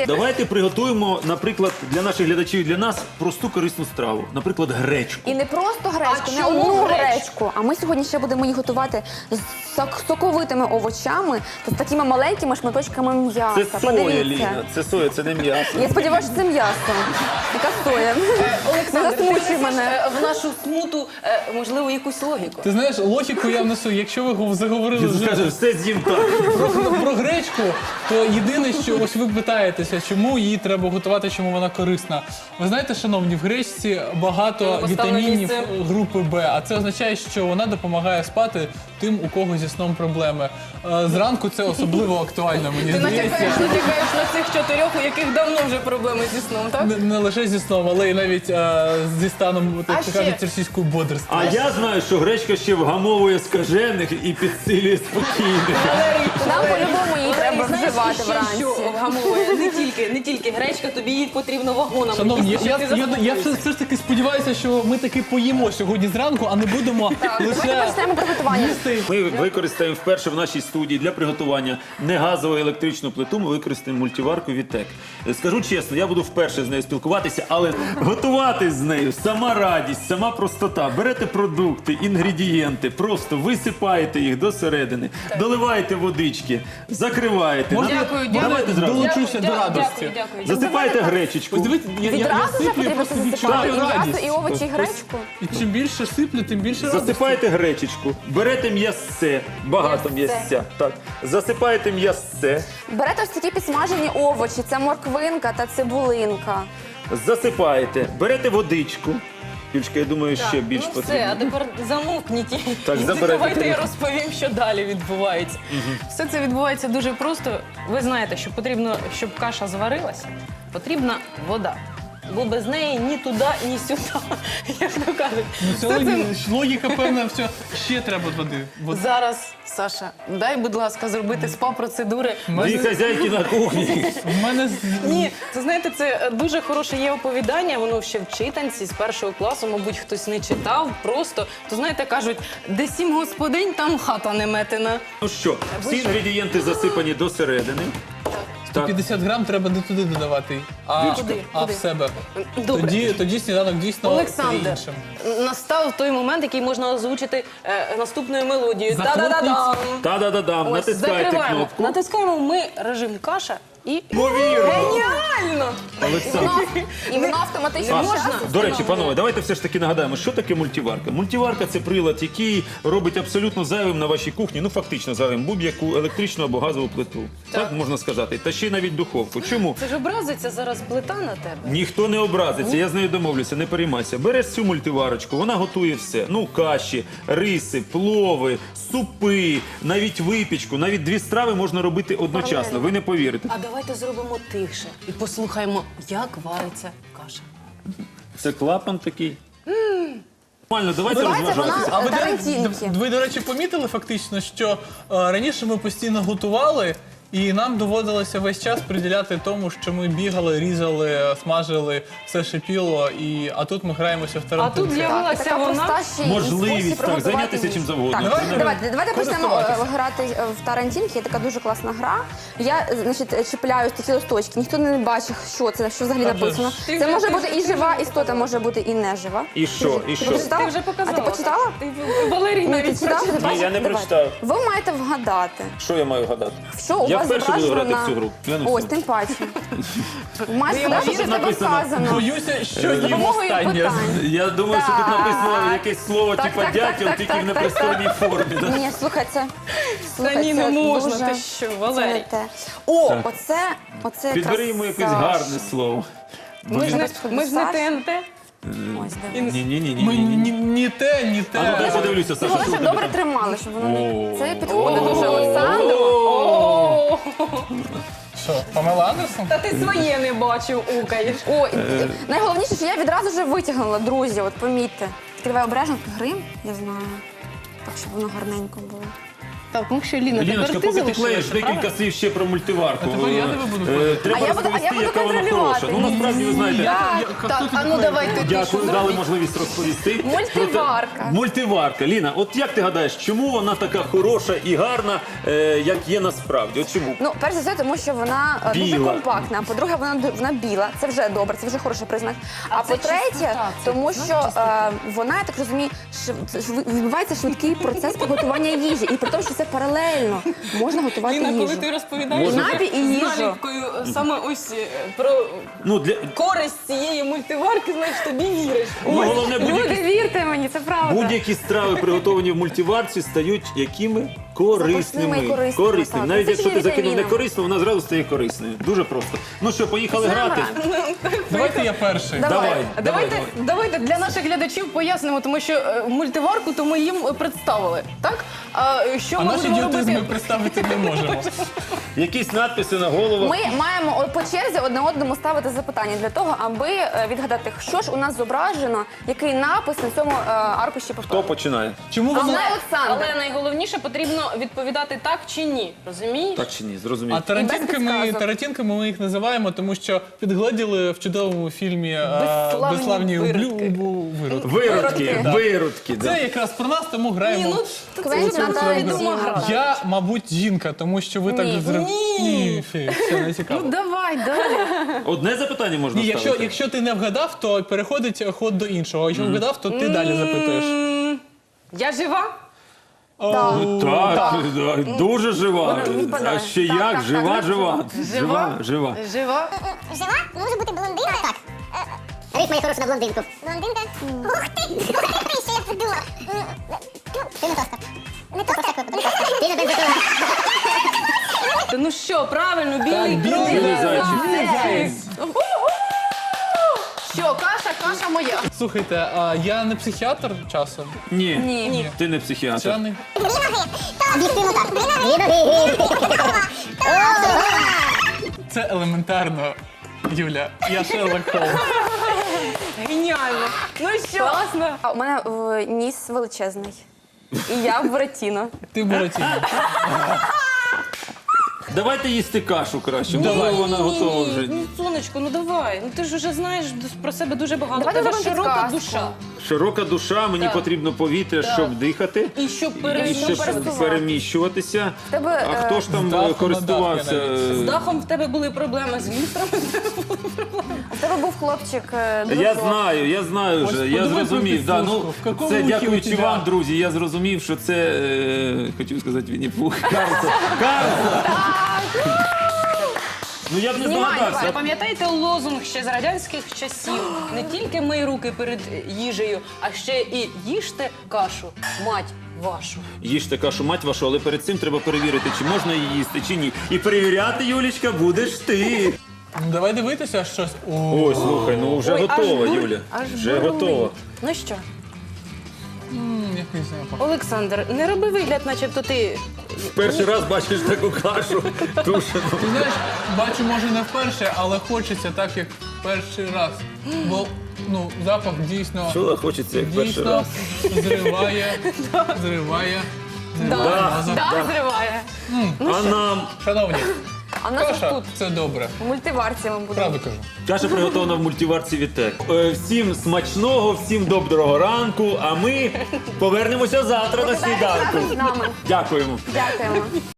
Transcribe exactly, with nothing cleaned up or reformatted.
Давайте приготуємо, наприклад, для наших глядачів і для нас просту корисну страву. Наприклад, гречку. І не просто гречку, А не чому одну гречку? гречку, а ми сьогодні ще будемо її готувати з сок- соковитими овочами та з такими маленькими шматочками м'яса. Це соя, Подивіться. Ліна, це соя, це не м'ясо. Я сподіваюся, що це м'ясо. Яка соя? Олександр, Не ти засмучуй внесеш, мене. е, в нашу смуту, е, можливо, якусь логіку. Ти знаєш, логіку я внесу. Якщо ви гов- заговорили Він вже скаже, все з'їм так. про, про гречку, то єдине, що ось ви питаєтеся, чому її треба готувати, чому вона корисна. Ви знаєте, шановні, в гречці багато Поставили вітамінів місце. групи Б, а це означає, що вона допомагає спати тим, у кого зі сном проблеми. Е, Зранку це особливо актуально, мені Ти здається. натякаєш, натякаєш на цих чотирьох, у яких давно вже проблеми зі сном, так? Не, не лише зі сном, але й навіть е, зі станом, А так ще? кажуть, російською бодрства. А я знаю, що гречка ще вгамовує скажених і підсилює спокійних. Нам по-любому її треба Знаєш, вживати ще вранці. що вгамовує? Не тільки, не тільки гречка, тобі її потрібно вагонами. Шановні, їсти, я, щоб я, ти я, я заспокоївся. все, все ж таки сподіваюся, що ми таки поїмо сьогодні зранку, а не будемо Давайте лише почнемо приготування. їсти. Ми використаємо вперше в нашій студії для приготування не газову електричну плиту, ми використаємо мультиварку Вітек. Скажу чесно, я буду вперше з нею спілкуватися, але готувати з нею сама радість, сама простота. Берете продукти, інгредієнти, просто висипаєте їх до середини, доливаєте водички, закриваєте. Можна На- я- Давайте можна зразу. долучуся до Дякую, радості. Дякую, дякую. Засипаєте гречечку. Ось дивіться, я, я, я Відразу вже сиплю, потрібно просто це засипати. І відчуваю м'ясо, радість. і овочі, і гречку. І чим більше сиплю, тим більше радості. Засипаєте гречечку, берете м'ясце, багато М'ясце. м'ясця, так. Засипаєте м'ясце, Берете ось такі підсмажені овочі, це морквинка та цибулинка. засипаєте, берете водичку. Юльчка, я думаю, ще більш Ну все, потрібно. а тепер замовкніть. Так, І забирайте давайте я тарілку. розповім, що далі відбувається. Все це відбувається дуже просто. Ви знаєте, що потрібно, щоб каша зварилася, потрібна вода. Бо без неї ні туди, ні сюди, як то кажуть. Ну, це Все це- логіка, логіка певна, все. Ще треба води. Води. Зараз, Саша, дай, будь ласка, зробити спа-процедури. Дві хазяйки на кухні. В мене з- Ні, це знаєте, це дуже хороше є оповідання, воно ще в читанці з першого класу, мабуть, хтось не читав, просто, то знаєте, кажуть, де сім господинь, там хата не метена. Ну що, всі інгредієнти засипані до середини. сто п'ятдесят грам треба не туди додавати, а, Куди? а в Куди? себе. Добре. Тоді, тоді сніданок дійсно Олександр, стає іншим. настав той момент, який можна озвучити е, наступною мелодією. Захлопніть. Та-да-да-дам! Та-да-да-дам, Ось, натискайте закриваємо. кнопку. Натискаємо ми режим каша і... Ймовірно. Геніально! Олександр. І воно автоматично А, можна? До речі, панове, давайте все ж таки нагадаємо, що таке мультиварка. Мультиварка – це прилад, який робить абсолютно зайвим на вашій кухні, ну фактично зайвим, будь-яку електричну або газову плиту. Так, Так. можна сказати. Та ще й навіть духовку. Чому? Це ж образиться зараз плита на тебе. Ніхто не образиться, я з нею домовлюся, не переймайся. Береш цю мультиварочку, вона готує все. Ну, каші, риси, плови, супи, навіть випічку, навіть дві страви можна робити одночасно. Ви не повірите. А давайте зробимо тихше і послухаємо, як вариться каша. Це клапан такий. Нормально, давайте Давайте розважатися. вона- А ви, до- Тарантінки. ви, до речі, помітили фактично, що е, раніше ми постійно готували, і нам доводилося весь час приділяти тому, що ми бігали, різали, смажили, все шипіло, і, а тут ми граємося в А тарантинки. тут з'явилася Така вона. проста ще й Можливість, спосіб так, приготувати зайнятися їжу. чим завгодно. Так, Давайте давайте, давайте почнемо користуватися. е, грати е, в Тарантінки. Є така дуже класна гра. Я, е, значить, чіпляю такі листочки. Ніхто не бачить, що це, що взагалі Та вже написано. ж. Ти Це вже- може ти бути вже- і ти жива вже істота, може бути і не жива. І що? І Ти що? почитала? Ти вже показала. А ти почитала? Ти, Валерій Ні, ти навіть читала? прочитав. Ти бачиш? я не Давай. прочитав. Ви маєте вгадати, Що я маю гадати? що у Я вас вперше буду зображено грати в на... цю гру. Я не Ось, всю. тим паче. Маєш йому сказати, що в тебе написано? вказано. Боюся, що З ні допомогою останнє. питань. Я думаю, що тут Так. написано якесь слово Так, типу так, дятел, так, тільки так, в так, непристойній формі. да? Ні, слухай, це... Та слухай, ні, це не можна, дуже- ти що, це не Валерій. те. О, Так. оце, оце Підбери якраз йому якесь Саша. гарне слово. Ми ж не, ми ж не Саша. ТНТ. Ось, дивись. Ні, ні, ні, ні, Ми ні, ні. ні, ні те, ні А ну дай те. подивлюся, Саша, Головне, що щоб тобі добре там. тримали, щоб воно не... О. Це підходить дуже Олександру. О, Що, Памела Андерсон? Та ти своє не бачив, укаєш. О, і- і найголовніше, що я відразу вже витягнула, друзі, от помітьте. Тільки давай обережно, грим, я знаю. Так, щоб воно гарненько було. Так, ну що, Ліна, Ліночка, тепер ти поки ти клеїш, залишилася, декілька правда? слів ще про мультиварку. А тепер я тебе буду Е, клеїти. Треба А я буду- а я розповісти, буду яка вона контролювати. хороша. Ну, насправді, ви знаєте, Я- Так, я- Так, хто а тобі ну клеїть? давайте ти що дякую, дали зробиш? можливість розповісти. Мультиварка. Проте- Мультиварка. Ліна, от як ти гадаєш, чому вона така хороша і гарна, е, як є насправді? От чому? Ну, перш за все, тому що вона е, дуже Біла. компактна. По-друге, вона, ду- вона біла. Це вже добре, це вже хороший признак. А, це по-третє, чистота, це, тому знаєш, що чистота. е, вона, я так розумію, шв- шв- відбувається швидкий процес приготування їжі. І при тому, що це паралельно можна готувати Ліна, коли їжу. ти розповідаєш Можна. Напій і з їжу. наліпкою саме ось е, про Ну, для... користь цієї мультиварки, знаєш, тобі віриш. ну головне, Люди, будь-які, вірте мені, це правда. будь-які страви, приготовані в мультиварці, стають якими? Корисними. Запашними і корисними, Корисними. так. Навіть Це якщо ж ти є закинув не вітаміни. корисну, вона зразу стає корисною. Дуже просто. Ну що, поїхали грати? Давайте я перший. Давай. Давай, А давай, Давайте, давай. давайте для наших глядачів пояснимо, тому що е, мультиварку то ми їм представили, так? А е, що А ми наші будемо ідіотизми робити? представити не можемо. Якісь надписи на голову. Ми маємо о- по черзі одне одному ставити запитання для того, аби е, відгадати, що ж у нас зображено, який напис на цьому е, аркуші Хто повтору. починає? Чому А воно... знає Олександр. Але найголовніше потрібно відповідати так чи ні. Розумієш? Так чи ні? Зрозумів. А тарантінками, підказок. тарантінками ми їх називаємо, тому що підгледіли в чудовому фільмі е, Безславні «Безславні виродки». облю- убу- виродки. Виродки, Да. виродки. да. Це якраз про нас, тому Ні, граємо. ну це Квентін вже така Тарантіно. відома гра. Я, мабуть, жінка, тому що ви так Ні. зрив... Ні. Ні, фі, все, не цікаво. Ну давай, далі. Одне запитання можна Ні, якщо, ставити? якщо ти не вгадав, то переходить ход до іншого. А якщо вгадав, то ти далі запитуєш. М, Я жива? Ну, так, да, дуже жива. відпадає. А ще Так, як? так, Жива, так. жива. Жива, жива. Жива? Жива? Може бути блондинка? Так. Рифма є хороша на блондинку. Блондинка? Ух ти! Ух ти, що я придумав! Ти не тостер. Не тостер? Ти не бензопила. Ну що, правильно, білий білий кролик. Білий зайчик. Молодець. Що, каша, каша моя. Слухайте, а я не психіатр часом? Ні, Ні. ти не психіатр. Вчений? Дві ноги. Об'єктивно так. Дві ноги. Це елементарно, Юля. Я Шерлок Холмс. Геніально. Ну що? Класно. А у мене е, ніс величезний. І я в Буратіно. Ти Буратіно. Давайте їсти кашу краще. Давай. Можливо, вона готова вже. Ну, сонечко, ну давай. Ну ти ж вже знаєш про себе дуже багато. Давайте У тебе зробимо широка підказку. душа. Широка душа, мені Так. потрібно повітря, щоб дихати. І щоб І перейти щоб пересуватися. переміщуватися. тебе, А е, хто ж там з даху на користувався? дах я з дахом в тебе були проблеми, з люстрами. У тебе був хлопчик. е, Я дуже знаю, я знаю Ось вже, я подумай зрозумів. про Да, підслужку. ну, В какому це ухі у дякуючи тебя? вам, друзі, я зрозумів, що це, е, хотів сказати, Вінні-Пух. Карлсон. Карлсон! Ну я б не Знімай, здогадався. Ви пам'ятаєте лозунг ще з радянських часів? Не тільки мий руки перед їжею, а ще і їжте кашу, мать вашу. Їжте кашу, мать вашу, але перед цим треба перевірити, чи можна її їсти, чи ні. І перевіряти, Юлічка, будеш ти. Ну, давай дивитися щось. О, Ой, слухай, ну вже Ой, аж готова, бур- Юля. аж Вже бурлить. готова. Ну що, м, якийсь запах. Олександр, не роби вигляд, начебто ти. Перший раз бачиш таку кашу тушену. Ти знаєш, бачу, може не вперше, але хочеться так, як перший раз. Бо ну, запах дійсно, Чула, хочеться, як перший дійсно раз. зриває, зриває. Да, зриває. да. зриває. А нам Шановні, А в нас ось каша тут це добре. в мультиварці ми будемо. Правду кажу. каша приготовлена в мультиварці Вітек. Е, Всім смачного, всім доброго ранку, а ми повернемося завтра на Покидайте разом сніданку. з нами. Дякуємо. Дякуємо.